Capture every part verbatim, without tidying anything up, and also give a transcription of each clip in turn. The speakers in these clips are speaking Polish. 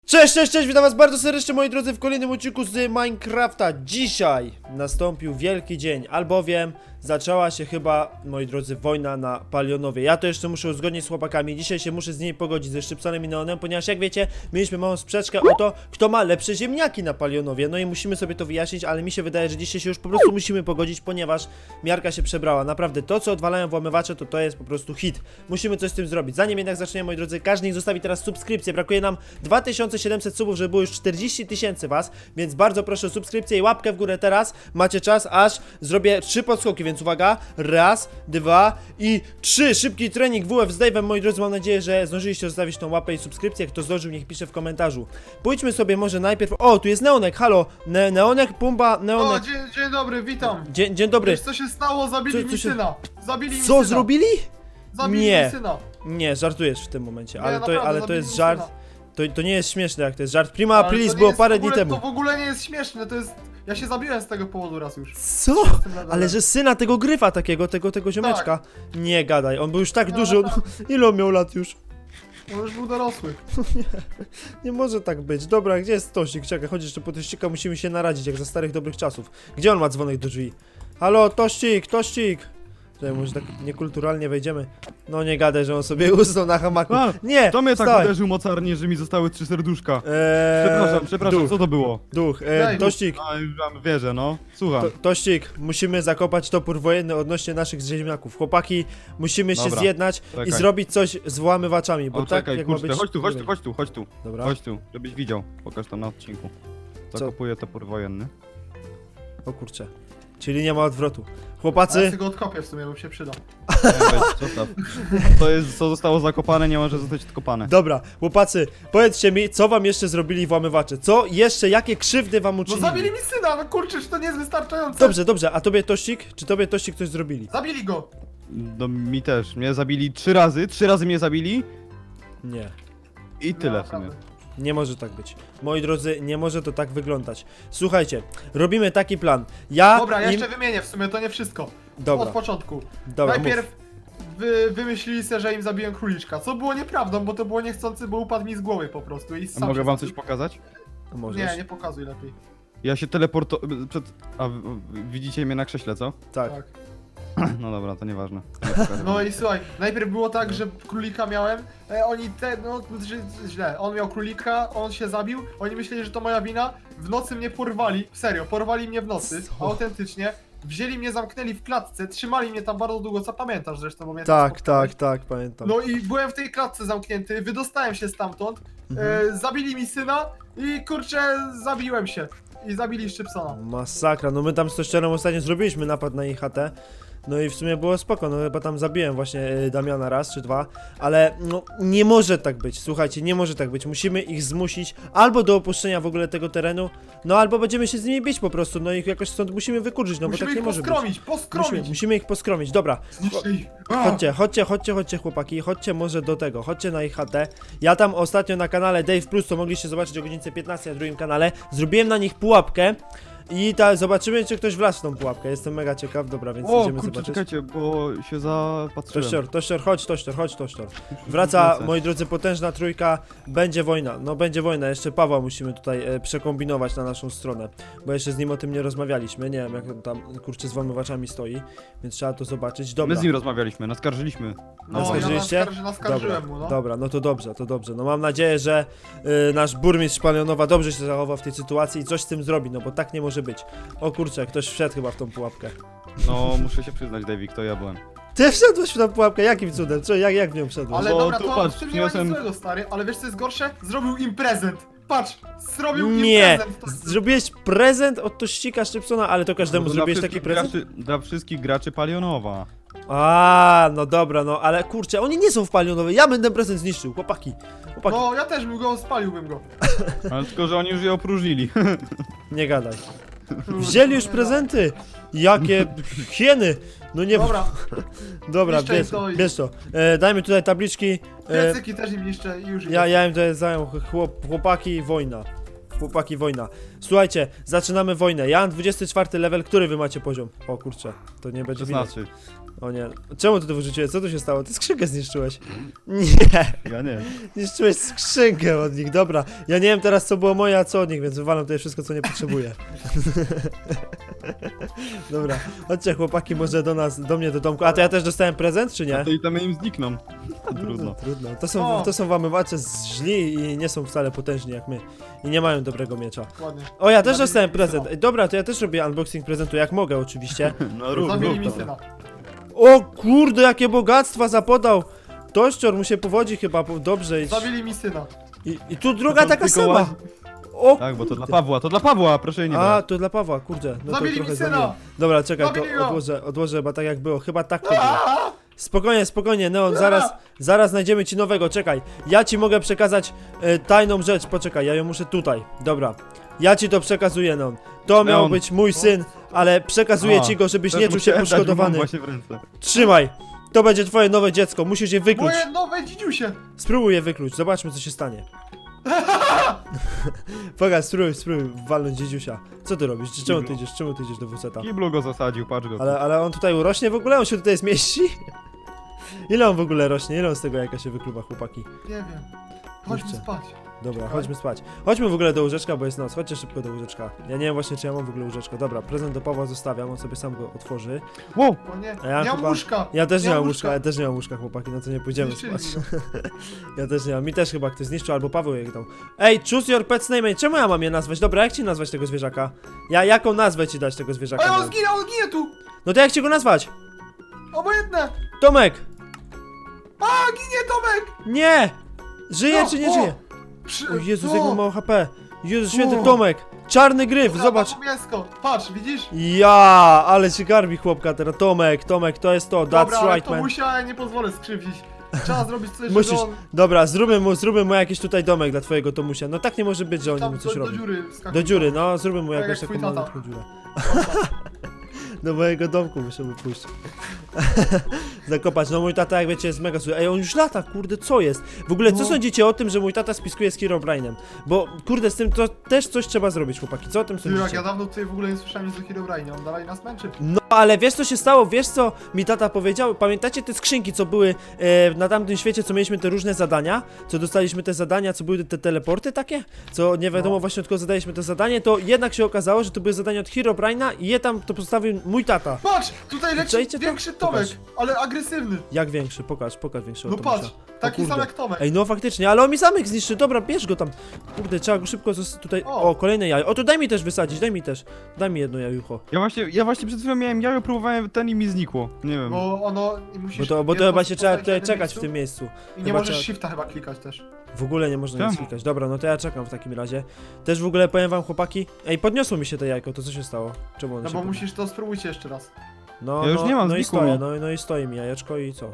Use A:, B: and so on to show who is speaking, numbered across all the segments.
A: Cześć, cześć, cześć, witam was bardzo serdecznie moi drodzy w kolejnym odcinku z Minecrafta. Dzisiaj nastąpił wielki dzień, albowiem zaczęła się chyba, moi drodzy, wojna na Palionowie. Ja to jeszcze muszę uzgodnić z chłopakami, dzisiaj się muszę z nimi pogodzić ze Szczypsonem i Neonem, ponieważ jak wiecie, mieliśmy małą sprzeczkę o to, kto ma lepsze ziemniaki na Palionowie. No i musimy sobie to wyjaśnić, ale mi się wydaje, że dzisiaj się już po prostu musimy pogodzić, ponieważ miarka się przebrała. Naprawdę, to co odwalają włamywacze, to to jest po prostu hit. Musimy coś z tym zrobić. Zanim jednak zaczniemy, moi drodzy, każdy niech zostawi teraz subskrypcję. Brakuje nam dwa tysiące siedemset subów, żeby było już czterdzieści tysięcy was, więc bardzo proszę o subskrypcję i łapkę w górę teraz. Macie czas, aż zrobię trzy podskoki, więc uwaga, raz, dwa i trzy. Szybki trening W F z Dave'em, moi drodzy, mam nadzieję, że zdążyliście zostawić tą łapę i subskrypcję. Kto zdążył, niech pisze w komentarzu. Pójdźmy sobie może najpierw... O, tu jest Neonek, halo, ne Neonek, Pumba,
B: O,
A: Neonek.
B: dzień, dzień dobry, witam.
A: Dzień, dzień dobry.
B: Wiesz co się stało? Zabili
A: Co- co
B: mi
A: się-
B: syna. Zabili mi
A: Co
B: syna.
A: zrobili?
B: Zabili
A: Nie.
B: mi syna.
A: Nie, żartujesz w tym momencie,
B: Nie,
A: ale to,
B: naprawdę,
A: ale to
B: zabili
A: jest
B: mi
A: żart.
B: syna.
A: To, to nie jest śmieszne, jak to jest żart. Prima
B: Ale
A: aprilis
B: to nie
A: było
B: jest
A: parę
B: w ogóle,
A: dni temu.
B: To w ogóle nie jest śmieszne, to jest... Ja się zabiłem z tego powodu raz już.
A: Co?
B: Jestem na dole.
A: Ale że syna tego gryfa takiego, tego, tego ziomeczka. Nie gadaj, on był już tak
B: No,
A: duży, on...
B: tak.
A: ile on miał lat już?
B: On już był dorosły.
A: Nie może tak być. Dobra, gdzie jest Tościk? Czekaj, chodź jeszcze po Tościka, musimy się naradzić, jak za starych dobrych czasów. Gdzie on ma dzwonek do drzwi? Halo, Tościk, Tościk! Czekaj, może tak niekulturalnie wejdziemy. No nie gadaj, że on sobie usnął na hamaku.
C: A,
A: Nie,
C: To mnie tak
A: wstań.
C: uderzył mocarnie, że mi zostały trzy serduszka.
A: Eee,
C: Przepraszam, przepraszam,
A: duch,
C: co to było?
A: duch, eee,
B: Daj,
A: Tościk,
C: A, już wam wierzę, no. Słucham.
A: To, Tościk, musimy zakopać topór wojenny odnośnie naszych ziemniaków. Chłopaki, musimy się
C: Dobra,
A: zjednać i
C: czekaj.
A: zrobić coś z włamywaczami, bo
C: O,
A: tak
C: czekaj,
A: jak ma
C: kurczę,
A: być...
C: chodź tu, chodź tu,
A: nie
C: chodź tu, chodź tu.
A: Dobra,
C: Chodź tu, żebyś widział. Pokaż tam na odcinku. Zakopuję topór wojenny.
A: o kurczę. Czyli nie ma odwrotu.
B: A ja
A: Chłopacy,
B: sobie go odkopię w sumie, bo się przyda.
C: Nie, weź, zostaw. To jest, co zostało zakopane, nie może zostać odkopane.
A: dobra, chłopacy, powiedzcie mi, co wam jeszcze zrobili włamywacze? Co jeszcze, jakie krzywdy wam
B: No
A: uczynili?
B: zabili mi syna, no kurczę, czy to nie jest wystarczające?
A: Dobrze, dobrze, a tobie Tościk? Czy tobie Tościk coś zrobili?
B: Zabili go.
C: No mi też. Mnie zabili trzy razy, trzy razy mnie zabili
A: Nie.
C: i tyle w sumie.
B: Naprawdę.
A: Nie może tak być. Moi drodzy, nie może to tak wyglądać. Słuchajcie, robimy taki plan. Ja
B: Dobra, ja
A: im...
B: jeszcze wymienię w sumie, to nie wszystko. Od
A: Dobra,
B: początku.
A: dobra, mów.
B: Najpierw wy, wymyślili sobie, że im zabiłem króliczka, co było nieprawdą, bo to było niechcący, bo upadł mi z głowy po prostu i
C: A
B: sam
C: mogę
B: się
C: wam
B: zabił.
C: coś pokazać?
A: Możesz.
B: Nie, nie pokazuj lepiej.
C: Ja się teleporto... przed... A w- w- widzicie mnie na krześle, co?
A: Tak.
B: Tak.
C: No dobra, to nieważne. Nie pokażę
B: No
C: wam.
B: i słuchaj, najpierw było tak, że królika miałem, e, oni te, no że, źle, on miał królika, on się zabił, oni myśleli, że to moja wina, w nocy mnie porwali, serio, porwali mnie w nocy,
A: Co?
B: autentycznie, wzięli mnie, zamknęli w klatce, trzymali mnie tam bardzo długo, co pamiętasz zresztą, bo mnie tam
A: Tak,
B: spotkałeś.
A: tak, tak, pamiętam.
B: No i byłem w tej klatce zamknięty, wydostałem się stamtąd,
A: Mhm.
B: e, zabili mi syna i kurczę, zabiłem się. I zabili Szczypsona.
A: Masakra, no my tam z Tościerem ostatnio zrobiliśmy napad na ich chatę. No i w sumie było spoko, no chyba tam zabiłem właśnie y, Damiana raz czy dwa, ale no nie może tak być, słuchajcie, nie może tak być, musimy ich zmusić albo do opuszczenia w ogóle tego terenu, no albo będziemy się z nimi bić po prostu, no ich jakoś stąd musimy wykurzyć, no
B: Musimy
A: bo tak nie
B: ich
A: może być.
B: poskromić, poskromić!
A: Musimy, musimy ich poskromić, dobra,
B: Zniszczy ich.
A: chodźcie, chodźcie, chodźcie, chodźcie chłopaki, chodźcie może do tego, chodźcie na ich chatę. Ja tam ostatnio na kanale Dave Plus, to mogliście zobaczyć o godzince piętnastej na drugim kanale, zrobiłem na nich pułapkę i ta, zobaczymy czy ktoś wlazł w tą pułapkę, jestem mega ciekaw, dobra, więc
C: O,
A: idziemy
C: kurczę,
A: zobaczyć.
C: czekajcie, bo się zapatrzyłem.
A: Tościor, Tościor, chodź, Tościor, chodź, Tościor. Wraca,
C: Wrócę.
A: moi drodzy, potężna trójka, będzie wojna, no będzie wojna, jeszcze Pawła musimy tutaj e, przekombinować na naszą stronę, bo jeszcze z nim o tym nie rozmawialiśmy, nie wiem jak on tam, kurczę, z włamywaczami stoi, więc trzeba to zobaczyć, dobra.
C: My z nim rozmawialiśmy, naskarżyliśmy.
B: No, ja
A: Naskarżyliście?
B: naskarży, naskarżyłem
A: Dobra,
B: mu, no.
A: dobra, no to dobrze, to dobrze. No mam nadzieję, że y, nasz burmistrz Palionowa dobrze się zachowa w tej sytuacji i coś z tym zrobi, no bo tak nie może być. O kurczę, ktoś wszedł chyba w tą pułapkę.
C: No, muszę się przyznać, Davik, to ja byłem.
A: Ty wszedłeś w tą pułapkę, jakim cudem? Co, jak, jak w nią wszedłeś?
B: Ale
C: bo
B: dobra,
C: tu
B: to
C: patrz,
B: w tym nie ma nic
C: przyniosłem-
B: złego, stary, ale wiesz co jest gorsze? Zrobił im prezent. Patrz, zrobił
A: Nie,
B: im prezent. To...
A: zrobiłeś prezent od Tościka Szczypsona, ale to każdemu
C: Dla
A: zrobiłeś taki
C: wszystkich
A: prezent?
C: Graczy, dla wszystkich graczy Palionowa.
A: A, no dobra, no ale kurczę, oni nie są w Palionowej, ja będę prezent zniszczył, chłopaki. Chłopaki,
B: No, ja też bym go, spaliłbym go.
C: Ale tylko, że oni już je opróżnili.
A: nie gadaj. Wzięli już prezenty! Jakie hieny! No nie
B: Dobra,
A: Dobra,
B: Niszczę
A: bierz,
B: to i-
A: bierz to. E, dajmy tutaj tabliczki. E,
B: piecyki też im niszczę i już
A: ja,
B: idę.
A: ja im tutaj zajął chłop, chłopaki wojna. Chłopaki wojna. Słuchajcie, zaczynamy wojnę. Ja mam dwudziesty czwarty level, który wy macie poziom? O kurczę, to nie będzie widać.
C: szesnasty.
A: O nie, czemu ty to wyrzuciłeś? Co tu się stało? Ty skrzynkę zniszczyłeś. Nie,
C: Ja nie.
A: zniszczyłeś skrzynkę od nich, dobra. Ja nie wiem teraz co było moje, a co od nich, więc wywalam tutaj wszystko co nie potrzebuję. Dobra, chodźcie chłopaki może do nas, do mnie do domku. A to ja też dostałem prezent, czy nie?
C: A to itemy im znikną. Trudno.
A: No, trudno. To są,
B: O.
A: to są włamywacze źli i nie są wcale potężni jak my. I nie mają dobrego miecza.
B: Ładnie.
A: O, ja też
B: Zabili
A: dostałem
B: mi
A: prezent.
B: syna.
A: Ej, dobra, to ja też robię unboxing prezentu, jak mogę oczywiście.
C: No rób,
B: Zabili
C: rób
B: mi
C: to.
B: syna.
A: O kurde, jakie bogactwa zapodał! Tościor mu się powodzi chyba po- dobrze. I,
B: Zabili mi syna.
A: i, I tu druga
C: To
A: taka
C: tylko
A: sama.
C: łazi-
A: O
C: Tak, bo to
A: kurde.
C: dla Pawła, to dla Pawła, proszę jej nie
A: A,
C: brać.
A: to dla Pawła, kurde. No to
B: Zabili
A: trochę
B: mi syna!
A: zamieniam. Dobra, czekaj,
B: Zabili
A: to
B: go!
A: odłożę, odłożę chyba tak jak było. Chyba tak to było.
B: Aaa!
A: Spokojnie, spokojnie, Neon, zaraz, zaraz znajdziemy ci nowego, czekaj. Ja ci mogę przekazać e, tajną rzecz, poczekaj, ja ją muszę tutaj. Dobra. Ja ci to przekazuję, Neon. To miał
C: Neon.
A: być mój syn, ale przekazuję
C: A,
A: ci go, żebyś
C: Też
A: nie
C: mu
A: czuł się
C: chciałem dać, bo mam
A: poszkodowany.
C: właśnie w ręce.
A: Trzymaj! To będzie twoje nowe dziecko, musisz je wykluć.
B: Moje nowe dzidziusie!
A: Spróbuj je wykluć, zobaczmy co się stanie. Pokaż, spróbuj, spróbuj walnąć dziedziusia. Co ty robisz? Czemu ty idziesz? Czemu ty idziesz do wuceta?
C: Kiblu go zasadził, patrz go.
A: Ale, ale on tutaj urośnie w ogóle? On się tutaj zmieści? Ile on w ogóle rośnie? Ile on z tego jajka się wykluwa, chłopaki?
B: Nie wiem. Chodźmy
A: Kurczę.
B: spać.
A: Dobra,
B: Czekaj.
A: chodźmy spać. Chodźmy w ogóle do łóżeczka, bo jest noc. Chodźcie szybko do łóżeczka. Ja nie wiem właśnie, czy ja mam w ogóle łóżeczko. Dobra, prezent do Pawła zostawiam, on sobie sam go otworzy.
C: Wow!
B: O nie,
A: A ja
B: nie mam
A: chyba-
B: łóżka.
A: Ja też nie,
B: Nie
A: mam
B: mam
A: łóżka,
B: łóżka.
A: ja też nie mam łóżka, chłopaki, no to nie pójdziemy
B: Zniszczyli
A: spać.
B: mi
A: Ja też nie mam. Mi też chyba ktoś zniszczył, albo Paweł je dał. Ej, choose your pet's name. Czemu ja mam je nazwać? Dobra, jak ci nazwać tego zwierzaka? Ja jaką nazwę ci dać tego zwierzaka?
B: Ej, on
A: Neon?
B: zginie, on zginie tu!
A: No to jak ci go nazwać?
B: Obojętne!
A: Tomek!
B: A, ginie Tomek!
A: Nie! Żyje
B: No,
A: czy nie
B: o!
A: żyje?
B: Przy...
A: O Jezus,
B: o!
A: jak ma mało H P. Jezus święty,
B: O!
A: Tomek! Czarny gryf,
B: Dobra,
A: zobacz.
B: mam mięsko. Patrz, widzisz?
A: Ja, ale się garbi chłopka teraz. Tomek, Tomek, to jest to,
B: Dobra,
A: that's
B: ale
A: right,
B: to
A: man.
B: musia, ja nie pozwolę skrzywdzić. Trzeba zrobić coś,
A: Musisz,
B: żeby on
A: dobra, zróbmy mu, zróbmy mu jakiś tutaj domek dla twojego Tomusia. No tak nie może być, że oni
B: tam
A: mu coś
B: do, do
A: robią.
B: dziury wskakuje.
A: Do dziury, no, zróbmy mu
B: Tak
A: jakąś
B: jak
A: taką
B: twój tata.
A: malutką dziurę. Do mojego domku musimy pójść. Zakopać, no mój tata jak wiecie jest mega zły. Ej, on już lata, kurde, co jest? W ogóle co
B: No.
A: sądzicie o tym, że mój tata spiskuje z Herobrine'em? Bo kurde, z tym to też coś trzeba zrobić, chłopaki, co o tym
B: Ty, jak
A: sądzicie?
B: ja dawno tutaj w ogóle nie słyszałem nic o Herobrine, on dalej nas męczy.
A: No ale wiesz co się stało, wiesz co mi tata powiedział? Pamiętacie te skrzynki, co były e, na tamtym świecie, co mieliśmy te różne zadania? Co dostaliśmy te zadania, co były te teleporty takie? Co nie wiadomo
B: No.
A: właśnie od kogo zadaliśmy to zadanie, to jednak się okazało, że to były zadania od Herobrine'a i je tam to postawił mój tata.
B: Patrz, tutaj leci
A: Czajcie to?
B: większy Tomek,
A: Pokaż.
B: ale agresywny.
A: Jak większy? Pokaż, pokaż większego
B: No
A: Tomusia.
B: patrz, taki
A: kurde.
B: sam jak Tomek.
A: Ej, no faktycznie, ale on mi zamek zniszczy, dobra, bierz go tam. Kurde, trzeba go szybko zos- tutaj... O.
B: O.
A: kolejne jajo. O, to daj mi też wysadzić, daj mi też. Daj mi jedno jajucho.
C: Ja właśnie, ja właśnie przed chwilą miałem jajo, próbowałem ten i mi znikło. Nie wiem.
B: Bo ono i musisz.
A: Bo to, bo to
B: jedno
A: chyba się trzeba
B: postawić
A: tutaj
B: jednym
A: czekać w
B: miejscu
A: tym miejscu.
B: I nie
A: chyba
B: możesz
A: trzeba-
B: shifta chyba klikać też.
A: W ogóle nie można nic
C: Czemu?
A: klikać. Dobra, no to ja czekam w takim razie. Też w ogóle powiem wam, chłopaki. Ej, podniosło mi się to jajko, to co się stało? Czemu ono
B: No
A: się
B: bo
A: podniosło?
B: musisz to spróbujcie jeszcze raz.
A: No,
C: Ja już
A: no,
C: nie mam,
A: no i
C: znikło
A: stoję,
C: mi.
A: no, no i stoi mi jajeczko i co?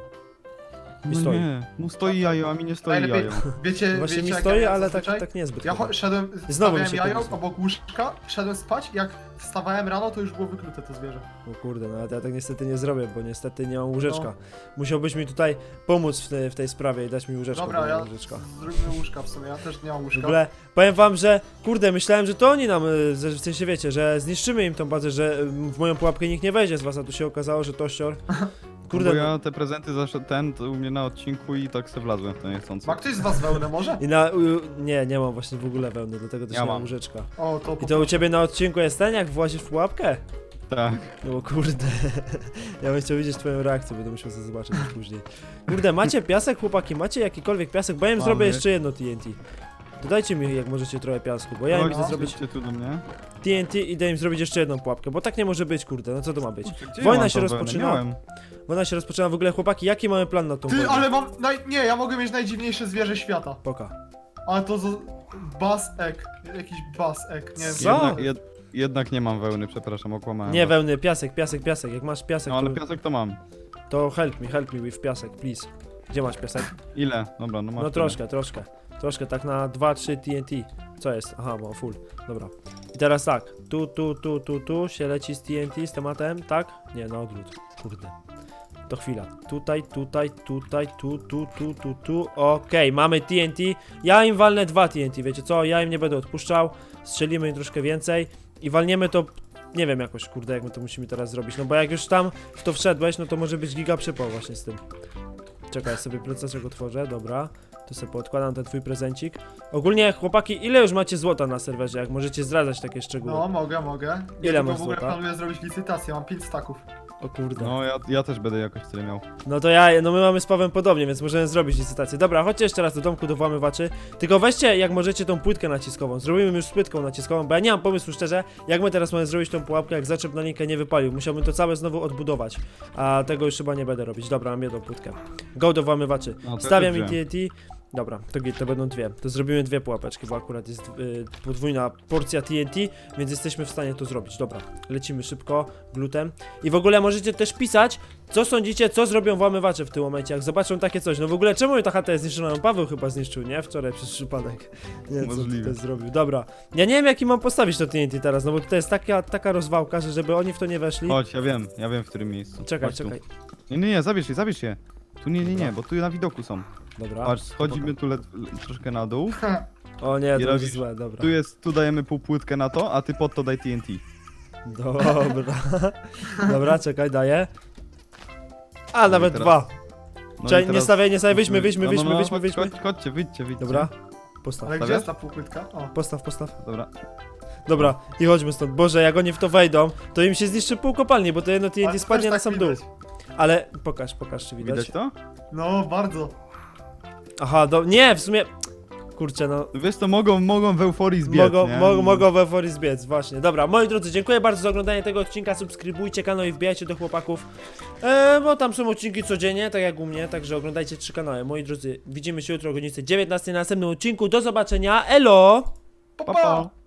A: I
C: No
A: stoi.
C: nie, mu stoi jajo, a mi nie stoi
B: Najlepiej,
C: jajo.
B: wiecie,
A: Właśnie
B: wiecie
A: mi
B: jak
A: stoi,
B: ja
A: ale tak,
B: zazwyczaj?
A: tak niezbyt.
B: Ja
A: chyba.
B: cho- szedłem,
A: Znowu mi
B: stawiałem
A: się
B: jajo
A: podniosło.
B: obok łóżka, szedłem spać, jak wstawałem rano, to już było wyklute to zwierzę.
A: O kurde, no ja tak niestety nie zrobię, bo niestety nie mam łóżeczka.
B: No.
A: Musiałbyś mi tutaj pomóc w, te, w tej sprawie i dać mi łóżeczko. bo
B: Dobra,
A: nie
B: ja
A: mam łóżeczka.
B: zróbmy łóżka w sumie, ja też nie mam
A: W
B: łóżka.
A: ogóle powiem wam, że kurde, myślałem, że to oni nam, y, że- w sensie wiecie, że zniszczymy im tą bazę, że y, w moją pułapkę nikt nie wejdzie z was, a tu się okazało, że tościor. Kurde,
C: Bo
A: no.
C: ja te prezenty zawsze ten, to u mnie na odcinku i tak se wlazłem w to niechcący.
B: Ma ktoś z was wełnę może?
A: I na. U, nie, nie mam właśnie w ogóle wełny, dlatego też
C: Ja
A: nie mam
C: mam.
A: łóżeczka.
B: O, to
A: I to u ciebie na odcinku jest ten, jak włazisz w pułapkę?
C: Tak.
A: No kurde. Ja bym chciał widzieć twoją reakcję, będę musiał sobie zobaczyć już później. Kurde, macie piasek, chłopaki? Macie jakikolwiek piasek? Bo ja im
C: Mamy.
A: zrobię jeszcze jedno T N T. Dodajcie mi, jak możecie, trochę piasku, bo ja im
C: Chodź,
A: chcę zrobić
C: chodźcie tu do mnie.
A: T N T i idę im zrobić jeszcze jedną pułapkę, bo tak nie może być, kurde, no co to ma być?
C: Kurczę, gdzie
A: Wojna
C: ja mam
A: się
C: tą wełnę?
A: rozpoczyna.
C: Miałem.
A: Wojna się rozpoczyna w ogóle, chłopaki, jaki mamy plan na tą
B: Ty,
A: wojnę?
B: ale mam, naj... nie, ja mogę mieć najdziwniejsze zwierzę świata.
A: Poka.
B: Ale to z... Bass egg, jakiś bass egg, nie wiem.
A: Co?
C: Jednak, jed, jednak nie mam wełny, przepraszam, okłamałem.
A: Nie
C: was.
A: wełny, piasek, piasek, piasek, jak masz piasek,
C: No ale
A: to,
C: piasek to mam.
A: to help me, help me with piasek, please. Gdzie masz piasek?
C: Ile? Dobra, no masz.
A: No
C: tyle.
A: troszkę, troszkę. Troszkę, tak na dwa trzy T N T. Co jest? Aha, mam full. Dobra. I teraz tak. Tu, tu, tu, tu, tu się leci z T N T, z tematem, tak? Nie, na odwrót. Kurde. To chwila. Tutaj, tutaj, tutaj, tu, tu, tu, tu, tu. Okej, mamy T N T. Ja im walnę dwa T N T, wiecie co? Ja im nie będę odpuszczał. Strzelimy im troszkę więcej. I walniemy to nie wiem jakoś, kurde, jak my to musimy teraz zrobić, no bo jak już tam w to wszedłeś, no to może być giga przypał właśnie z tym. Czekaj, ja sobie procesor otworzę, dobra. Tu sobie podkładam ten twój prezencik. Ogólnie, chłopaki, ile już macie złota na serwerze, jak możecie zdradzać takie szczegóły?
B: No, mogę, mogę.
A: Ile
B: Ja
A: masz
B: tylko w ogóle
A: złota?
B: planuję zrobić licytację, mam pięć staków.
A: O kurde.
C: No ja, ja też będę jakoś tyle miał.
A: No to ja, no my mamy z Pawem podobnie, więc możemy zrobić licytację. Dobra, chodźcie jeszcze raz do domku do włamywaczy. Tylko weźcie, jak możecie, tą płytkę naciskową. Zrobimy już z płytką naciskową, bo ja nie mam pomysłu szczerze, jak my teraz mamy zrobić tą pułapkę, jak zaczep na linkę nie wypalił. Musiałbym to całe znowu odbudować. A tego już chyba nie będę robić. Dobra, mam jedną płytkę. Go do włamywaczy.
C: No, to
A: Stawiam
C: ja
A: i
C: wziąłem.
A: T N T. Dobra, to, git, to będą dwie. To zrobimy dwie pułapeczki, bo akurat jest y, podwójna porcja T N T, więc jesteśmy w stanie to zrobić. Dobra, lecimy szybko, glutem. I w ogóle możecie też pisać, co sądzicie, co zrobią włamywacze w tym momencie, jak zobaczą takie coś. No w ogóle czemu ta chata jest zniszczona? No Paweł chyba zniszczył, nie? Wczoraj przez przypadek. Nie wiem, co
C: Możliwe.
A: tutaj zrobił. Dobra, ja nie wiem, jaki mam postawić to T N T teraz, no bo tutaj jest taka, taka rozwałka, że żeby oni w to nie weszli.
C: Chodź, ja wiem, ja wiem w którym miejscu.
A: Czekaj,
C: Chodź tu.
A: czekaj.
C: Nie, nie, nie, zabierz je, zabierz je. Tu nie, nie, nie, bo tu na widoku są.
A: Dobra.
C: Patrz, schodzimy tu le, le, troszkę na dół.
A: O nie,
C: I
A: to będzie
C: robisz-
A: złe, dobra.
C: Tu jest, tu dajemy pół płytkę na to, a ty pod to daj T N T.
A: Dobra. Dobra, czekaj, daję. A,
C: No i
A: nawet
C: teraz-
A: dwa.
C: No
A: Czekaj,
C: i
A: nie
C: teraz
A: stawiaj, nie stawiaj, wyjdźmy, wyjdźmy,
C: no, no,
A: wyjdźmy,
C: no,
A: wyjdźmy,
C: chodź,
A: wyjdźmy.
C: Chodź, chodźcie, wyjdźcie, wyjdźcie.
A: Dobra. Postaw,
B: Ale gdzie
C: Stawiasz?
B: jest ta półpłytka? O.
A: postaw, postaw.
C: Dobra.
A: Dobra, i chodźmy stąd. Boże, jak oni w to wejdą, to im się zniszczy pół kopalni, bo to jedno T N
B: Ale
A: T
B: to
A: spadnie
B: też
A: na
B: tak
A: sam dół.
B: widać.
A: Ale pokaż, pokaż, czy widać.
C: Widać to?
B: No, bardzo.
A: Aha, do... nie, w sumie... Kurczę, no...
C: Wiesz to mogą, mogą w euforii zbiec,
A: Mogą,
C: nie?
A: mo mogą w euforii zbiec, właśnie. Dobra, moi drodzy, dziękuję bardzo za oglądanie tego odcinka. Subskrybujcie kanał i wbijajcie do chłopaków. E, bo tam są odcinki codziennie, tak jak u mnie, także oglądajcie trzy kanały. Moi drodzy, widzimy się jutro o godzinie dziewiętnastej na następnym odcinku. Do zobaczenia, elo!
B: Pa,
C: Pa,
B: pa.
C: pa.